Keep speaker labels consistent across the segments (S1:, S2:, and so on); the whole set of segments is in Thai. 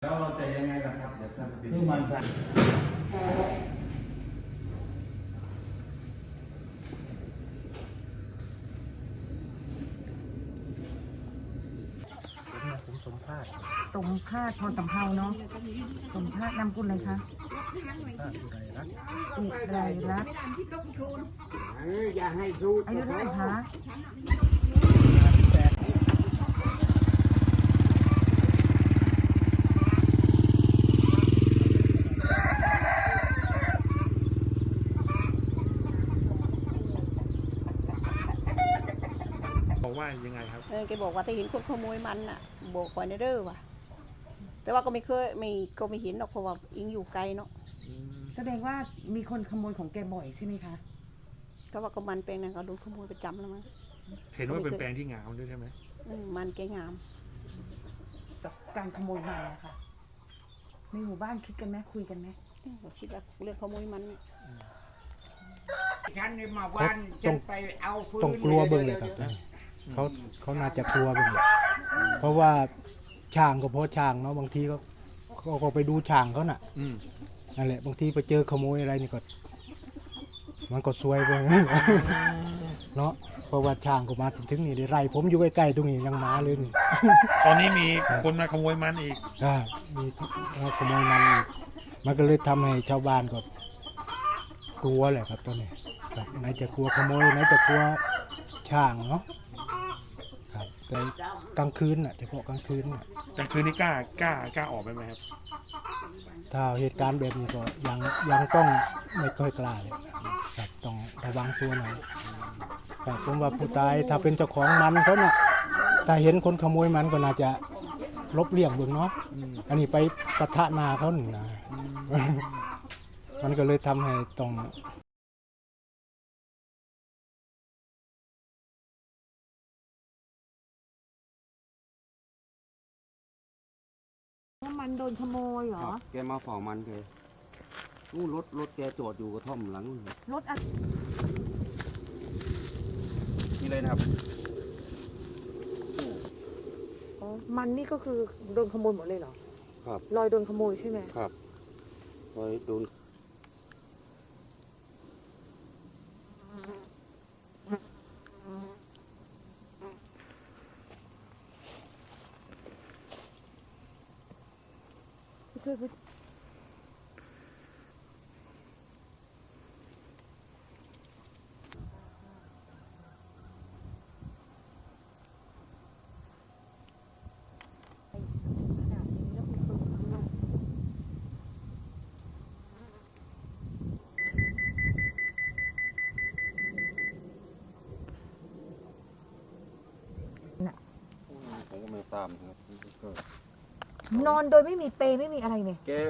S1: แล้วเราจะยังไงล่ะครับเดี๋ยวท่านเป็น
S2: คือมันสั่นผมสมภาษณ์
S3: สมภาษณ์พรสำเภาเนาะสมภาษณ์นำกุลเลยคะ
S2: อุไรรัตน์
S3: อุไรรัตน์
S2: อย่าให้สู้
S3: อายุเท่าไหร่คะ
S4: บอกว่ายังไงครับ
S5: แกบอกว่าถ้าเห็นคนขโมยมันน่ะบอกก่อนเด้อว่ะแต่ว่าก็ไม่เคยก็ไม่เห็นหรอกเพราะว่าอิงอยู่ไกลเนาะ
S3: แสดงว่ามีคนขโมยของแกบ่อยใช่ไหมคะ
S5: ก็ว่าก็มันแปลงนั้นก็โดนขโมยประจำแล้วมั้ง
S4: เห็นว่าเป็นแปลงที่งามด้วยใช่ไหม
S5: มันแกงาม
S3: การขโมยมันนะคะในหมู่บ้านคิดกันไหมคุยกันไหม
S5: เราคิดว่าเรื่องขโมยมันเนี่ย
S2: ฉันนี่มาวันจะไปเอาฟืน
S6: ต้องกลัวเบิ่งเลยครับเขาน่าจะกลัวเบิ่งเลยเพราะว่าช่างก็เพราะช่างเนาะบางทีเขาก็ไปดูช่างเขาน่ะนั่นแหละบางทีไปเจอขโมยอะไรนี่ก็มันก็ซวยไปเนาะเพราะว่าช่างก็มาถึงนี่ได้ไร่ผมอยู่ใกล้ๆตรงนี้ยังมาเลยนี่
S4: ตอนนี้มีคนมาขโมยมันอีก
S6: มีขโมยมันอีกมันก็เลยทำให้ชาวบ้านก็กลัวแหละครับตอนนี้ครับไหนจะกลัวขโมยไหนจะกลัวช่างเนาะครับแต่กลางคืนน่ะเฉพาะกลางคืนน่ะ
S4: กลางคืนนี่กล้าออกไปไหมครับ
S6: ถ้าเหตุการณ์แบบนี้ก็ยังต้องไม่ค่อยกล้าเลยครับต้องระวังตัวหน่อยแต่ผมว่าผู้ตายถ้าเป็นเจ้าของมันเขาน่ะถ้าเห็นคนขโมยมันก็น่าจะลบเลี่ยงเบิ่งเนาะอันนี้ไปปะทะหนาเขาหนึ่งนะมันก็เลยทำให้ต้อง
S3: มันโดนขโมยเหรอ
S1: ครับแกมาเฝ้ามันแกนู่นรถแกจอดอยู่กระท่อมหลังนู่นครับ
S3: รถอะไร
S1: นี่เลยนะครับ
S3: มันนี่ก็คือโดนขโมยหมดเลยเหรอ
S1: ครับ
S3: รอยโดนขโมยใช่ไหม
S1: ครับโดยโดน ผมก็ไม่ตามครับก็
S3: นอนโดยไม่มีเปลไม่มีอะไรเนี่ย
S1: แก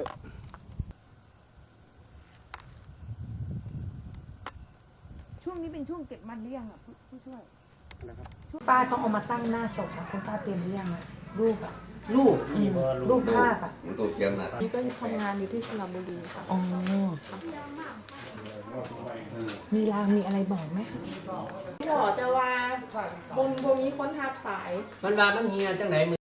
S3: ช่วงนี้เป็นช่วงเก็บมันหรือยังอ่ะผู้ช่วย
S1: นะครับ
S3: ป้าต้องเอามาตั้งหน้าศพนะคุณป้าเตรียมหรือยังอ่ะรูปอ่ะ
S2: ลูก
S3: รูปภาพอ่ะ
S7: นี่ก็ทำงานอยู่ที่สระบุรีค่ะ
S3: อ๋อมีรางมีอะไรบอกไหม
S7: บอกแต่ว่าบนมีคนทับสาย
S2: มันว่ามันเฮียจังไหน